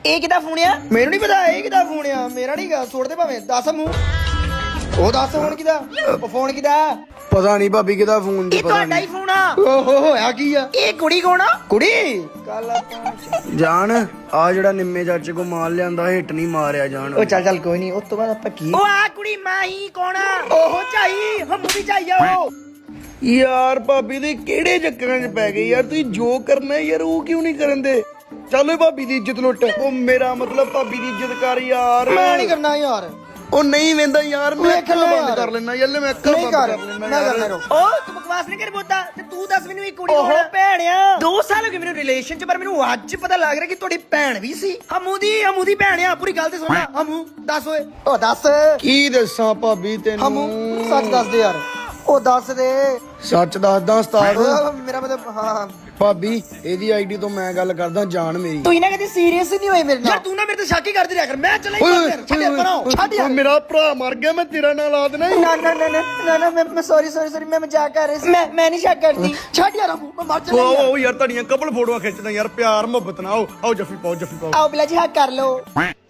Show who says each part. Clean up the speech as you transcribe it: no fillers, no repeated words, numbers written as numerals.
Speaker 1: ਇਹ ਕਿਹਦਾ ਫੋਨ ਆ? ਮੈਨੂੰ ਨਹੀਂ ਪਤਾ ਇਹ ਕਿਹਦਾ ਫੋਨ ਆ। ਮੇਰਾ ਨਹੀਂ ਗਾ, ਛੋੜ ਦੇ ਭਾਵੇਂ। ਦੱਸ ਮੂੰਹ। ਉਹ ਦੱਸ ਫੋਨ ਕਿਹਦਾ? ਫੋਨ ਕਿਹਦਾ?
Speaker 2: ਪਤਾ ਨਹੀਂ ਭਾਬੀ ਕਿਹਦਾ ਫੋਨ ਦੀ
Speaker 1: ਇਹ
Speaker 2: ਪਤਾ
Speaker 1: ਤੁਹਾਡਾ ਹੀ
Speaker 2: ਨਹੀਂ।
Speaker 1: ਫੋਨ ਆ। ਓਹੋ ਹੋਇਆ ਕੀ ਆ? ਇਹ ਕੁੜੀ ਕੌਣ ਆ? ਕੁੜੀ ਕੱਲ
Speaker 2: ਜਾਣ ਆ ਜਿਹੜਾ ਨਿੰਮੇ ਚਾਚੇ ਕੋ ਮਾਲ ਲਿਆਂਦਾ ਹਿੱਟ ਨਹੀਂ ਮਾਰਿਆ ਜਾਣ।
Speaker 1: ਉਹ ਚੱਲ ਕੋਈ ਨਹੀਂ। ਉਸ ਤੋਂ ਬਾਅਦ ਆਪਾਂ ਕੀ? ਉਹ ਆ ਕੁੜੀ ਮਾਹੀ ਕੌਣ ਆ? ਉਹ ਝਾਈ ਹਮੂ ਵੀ ਝਾਈ ਆ ਉਹ।
Speaker 2: ਯਾਰ ਭਾਬੀ ਦੇ ਕਿਹੜੇ ਚੱਕਰਾਂ 'ਚ ਪੈ ਗਏ ਯਾਰ। ਤੁਸੀਂ ਜੋ ਕਰਨਾ ਯਾਰ ਉਹ ਕਿਉਂ ਨਹੀਂ ਕਰਨ ਦੇ? ਚੱਲ ਭਾਬੀ ਦੀ ਇੱਜ਼ਤ ਲੁੱਟ। ਉਹ ਮੇਰਾ ਮਤਲਬ ਭਾਬੀ ਦੀ ਇੱਜ਼ਤ ਕਰ ਯਾਰ।
Speaker 1: ਮੈਂ ਨਹੀਂ ਕਰਨਾ ਯਾਰ।
Speaker 2: ਉਹ ਨਹੀਂ ਵੇਂਦਾ ਯਾਰ। ਮੈਂ ਅੱਖਾਂ
Speaker 1: ਵੇਖ ਲੈ
Speaker 2: ਬੰਦ
Speaker 1: ਯਾਰ।
Speaker 2: ਕਰ ਲੈਣਾ ਯਾਰ। ਮੈਂ ਅੱਖਾਂ
Speaker 1: ਨਹੀਂ
Speaker 2: ਬੰਦ
Speaker 1: ਕਰ
Speaker 2: ਕਰ ਲੈਣਾ
Speaker 1: ਮੈਂ
Speaker 2: ਯਾਰ।
Speaker 1: ਕਰਨਾ ਰੋ। ਉਹ ਤੂੰ ਬਕਵਾਸ ਨਹੀਂ ਕਰ ਬੋਤਾ। ਤੇ ਤੂੰ ਦੱਸ ਮੈਨੂੰ ਇਹ ਕੁੜੀ ਕੌਣ ਆ? ਭੈਣਿਆ 2 ਸਾਲ ਹੋ ਗਏ ਮੈਨੂੰ ਰਿਲੇਸ਼ਨ ਚ, ਪਰ ਮੈਨੂੰ ਅੱਜ ਪਤਾ ਲੱਗ ਰਿਹਾ ਕਿ ਤੁਹਾਡੀ ਭੈਣ ਵੀ ਸੀ। ਹਮੂ ਦੀ ਭੈਣ ਆ। ਪੂਰੀ ਗੱਲ ਤੇ ਸੁਣ। ਹਮੂ ਦੱਸ ਓਏ। ਉਹ ਦੱਸ
Speaker 2: ਕੀ ਦੱਸਾਂ ਭਾਬੀ ਤੈਨੂੰ?
Speaker 1: ਹਮੂ ਸੱਚ ਦੱਸ ਦੇ ਯਾਰ। ਉਹ ਦੱਸ ਦੇ।
Speaker 2: ਸੱਚ ਦੱਸਦਾ ਉਸਤਾਦ।
Speaker 1: ਮੇਰਾ ਮਤਲਬ ਹਾਂ
Speaker 2: ਭਾਬੀ ਇਹਦੀ ਆਈਡੀ ਤੋਂ ਮੈਂ ਗੱਲ ਕਰਦਾ ਜਾਣ ਮੇਰੀ।
Speaker 1: ਤੂੰ ਇਹਨਾਂ ਕਦੇ ਸੀਰੀਅਸ ਨਹੀਂ ਹੋਏ ਮੇਰੇ ਨਾਲ। ਯਾਰ ਤੂੰ ਨਾ ਮੇਰੇ ਤੇ ਸ਼ੱਕ ਹੀ ਕਰਦੀ ਰਿਹਾ ਕਰ। ਮੈਂ ਚਲਾ ਹੀ ਯਾਰ। ਛੱਡ ਪਰਾਂ ਛੱਡ ਯਾਰ।
Speaker 2: ਮੇਰਾ ਭਰਾ ਮਰ ਗਿਆ ਮੈਂ ਤੇਰਾ ਨਾਂ ਲਾ ਦੇਣਾ।
Speaker 1: ਨਾ ਮੈਂ ਸੌਰੀ ਮੈਂ ਮਜ਼ਾਕ ਕਰ ਰਹੀ ਸੀ। ਮੈਂ ਨਹੀਂ ਸ਼ੱਕ ਕਰਦੀ। ਛੱਡ ਯਾਰ ਹਮੂ ਮੈਂ ਮਰ ਚਲਾ ਯਾਰ।
Speaker 2: ਉਹ ਯਾਰ ਤੁਹਾਡੀਆਂ ਕਪਲ ਫੋਟੋਆਂ ਖਿੱਚਦਾ ਯਾਰ। ਪਿਆਰ ਮੁਹੱਬਤ ਨਾਲ ਆਓ ਜੱਫੀ ਪਾਓ ਜੱਫੀ ਪਾਓ।
Speaker 1: ਆਓ ਬਿਲਾ ਜੀ ਹੱਕ ਕਰ ਲੋ।